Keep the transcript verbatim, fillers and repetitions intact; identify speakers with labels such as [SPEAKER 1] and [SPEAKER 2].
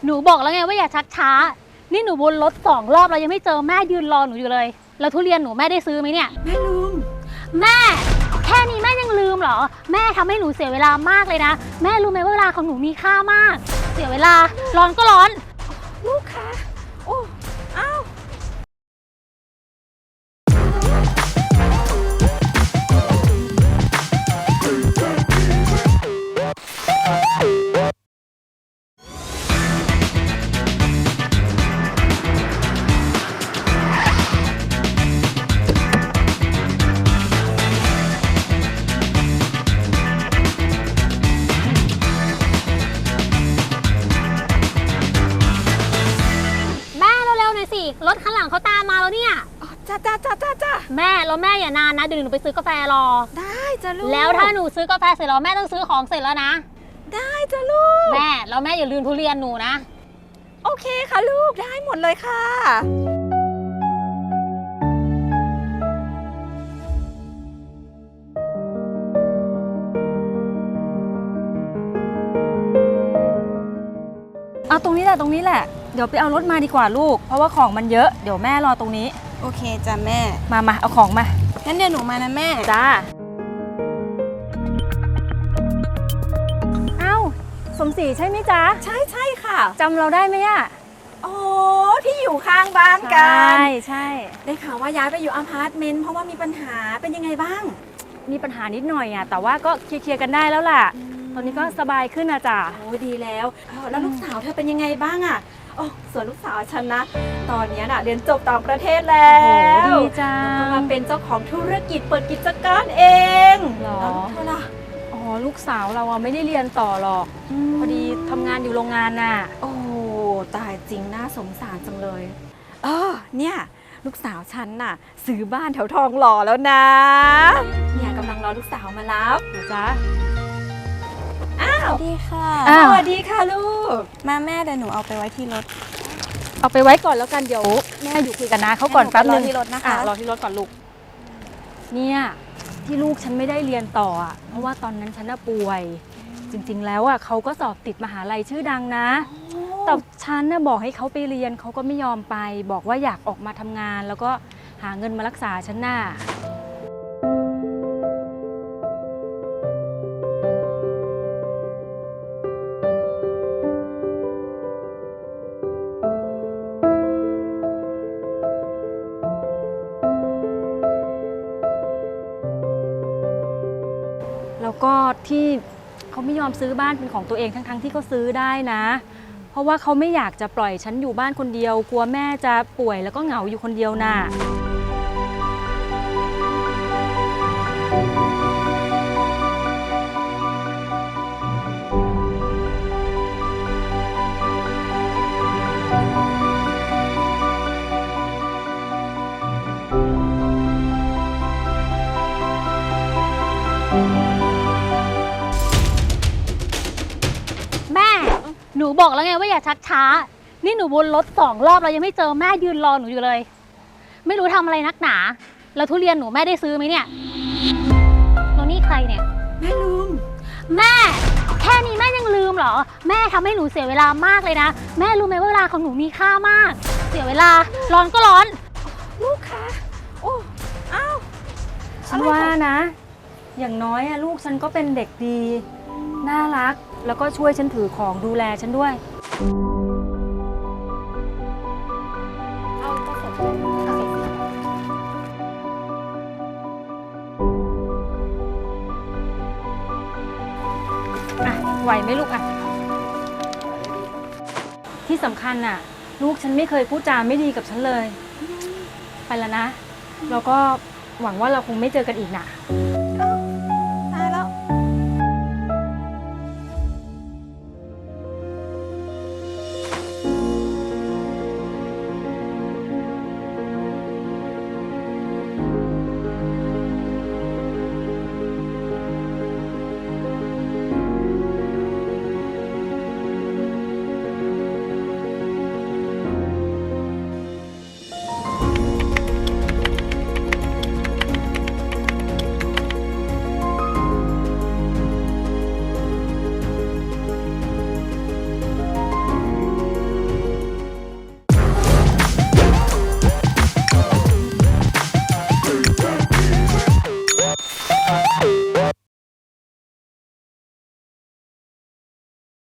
[SPEAKER 1] หนูบอกแล้วไงว่าอย่าชักช้านี่หนูวนรถสองรอบเรายังไม่เจอแม่ยืนรอหนูอยู่เลยแล้วทุเรียนหนูแม่ได้ซื้อไหมเนี่ย
[SPEAKER 2] แม่ลืม
[SPEAKER 1] แม่แค่นี้แม่ยังลืมเหรอแม่ทำให้หนูเสียเวลามากเลยนะแม่รู้ไหมว่าเวลาของหนูมีค่ามากเสียเวลาร้อนก็ร้อน
[SPEAKER 2] ลูกคะโอ้อ้าว
[SPEAKER 1] รถข้างหลังเขาตามมาแล้วเนี่ย
[SPEAKER 2] จ้าจ้าจ้าจ้าจ้า
[SPEAKER 1] แม่แล้วแม่อย่านานนะเดี๋ยวหนูไปซื้อกาแฟรอ
[SPEAKER 2] ได้จ้าลูก
[SPEAKER 1] แล้วถ้าหนูซื้อกาแฟเสร็จแล้วแม่ต้องซื้อของเสร็จแล้วนะ
[SPEAKER 2] ได้จ้าลูก
[SPEAKER 1] แม่แล้วแม่อย่าลืมทุเรียนหนูนะ
[SPEAKER 2] โอเคค่ะลูกได้หมดเลยค่ะ
[SPEAKER 3] เอาตรงนี้แหละตรงนี้แหละเดี๋ยวไปเอารถมาดีกว่าลูกเพราะว่าของมันเยอะเดี๋ยวแม่รอตรงนี้
[SPEAKER 2] โอเคจ้ะแม่
[SPEAKER 3] มามาเอาของมา
[SPEAKER 2] งั้นเดี๋ยวหนูมานะแม่
[SPEAKER 3] จ้าเอ้าสมศรีใช่ไหมจ๊ะ
[SPEAKER 2] ใช่ใช่ค่ะ
[SPEAKER 3] จำเราได้ไหมอะ
[SPEAKER 2] โอ้ที่อยู่ข้างบ้านกัน
[SPEAKER 3] ใช่ใช่
[SPEAKER 2] ได้ข่าวว่าย้ายไปอยู่อพาร์ตเมนต์เพราะว่ามีปัญหาเป็นยังไงบ้าง
[SPEAKER 3] มีปัญหานิดหน่อยอะแต่ว่าก็เคลียร์กันได้แล้วล่ะตอนนี้ก็สบายขึ้นนะจ๊ะ
[SPEAKER 2] โอ้ดีแล้วแล้วลูกสาวเธอเป็นยังไงบ้างอะโอ้ส่วนลูกสาวฉันนะตอนนี้น่ะเรียนจบต่างประเทศแล้ว
[SPEAKER 3] ดีจัง
[SPEAKER 2] มาเป็นเจ้าของธุรกิจเปิดกิจการเอง
[SPEAKER 3] หรอ
[SPEAKER 2] เธอล่ะ
[SPEAKER 3] อ๋อลูกสาวเราอะไม่ได้เรียนต่อหรอกพอดีทำงานอยู่โรงงานน่ะ
[SPEAKER 2] โอ้ตายจริงน่าสงสารจังเลยเออเนี่ยลูกสาวฉันน่ะซื้อบ้านแถวทองหล่อแล้วนะเนี่ยกำลังรอลูกสาวมารับ
[SPEAKER 3] นะจ๊ะ
[SPEAKER 2] อ้าว
[SPEAKER 4] สวัสดีค่ะ
[SPEAKER 2] สวัสดีค่ะลูก
[SPEAKER 4] มาแม่เดี๋ยวหนูเอาไปไว้ที่รถ
[SPEAKER 3] เอาไปไว้ก่อนแล้วกันเดี๋ยวแม่อยู่คุยกันนะเขาก่อนแป๊บนึง
[SPEAKER 4] รอที่รถนะคะ
[SPEAKER 3] รอที่รถก่อนลูกเนี่ยที่ลูกฉันไม่ได้เรียนต่ออ่ะเพราะว่าตอนนั้นฉันน่ะป่วยจริงๆแล้วอ่ะเขาก็สอบติดมหาลัยชื่อดังนะแต่ฉันน่ะบอกให้เขาไปเรียนเขาก็ไม่ยอมไปบอกว่าอยากออกมาทำงานแล้วก็หาเงินมารักษาฉันน่ะแล้วก็ที่เขาไม่ยอมซื้อบ้านเป็นของตัวเองทั้งๆที่เขาซื้อได้นะเพราะว่าเขาไม่อยากจะปล่อยฉันอยู่บ้านคนเดียวกลัวแม่จะป่วยแล้วก็เหงาอยู่คนเดียวน่ะ
[SPEAKER 1] หนูบอกแล้วไงว่าอย่าชักช้านี่หนูวนรถสองรอบเรายังไม่เจอแม่ยืนรอหนูอยู่เลยไม่รู้ทำอะไรนักหนาแล้วทุเรียนหนูแม่ได้ซื้อไหมเนี่ยแล้วนี่ใครเนี่ย
[SPEAKER 2] แม่ลืม
[SPEAKER 1] แม่แค่นี้แม่ยังลืมเหรอแม่ทำให้หนูเสียเวลามากเลยนะแม่รู้ไหมว่าเวลาของหนูมีค่ามากเสียเวลาร้อนก็ร้อน
[SPEAKER 2] ลูกคะโอ้อ้าว
[SPEAKER 3] ฉันว่านะอย่างน้อยอะลูกฉันก็เป็นเด็กดีน่ารักแล้วก็ช่วยฉันถือของดูแลฉันด้วยอ่ะไหวไหมลูกอ่ะที่สำคัญน่ะลูกฉันไม่เคยพูดจาไม่ดีกับฉันเลยไปแล้วนะแล้วก็หวังว่าเราคงไม่เจอกันอีกนะ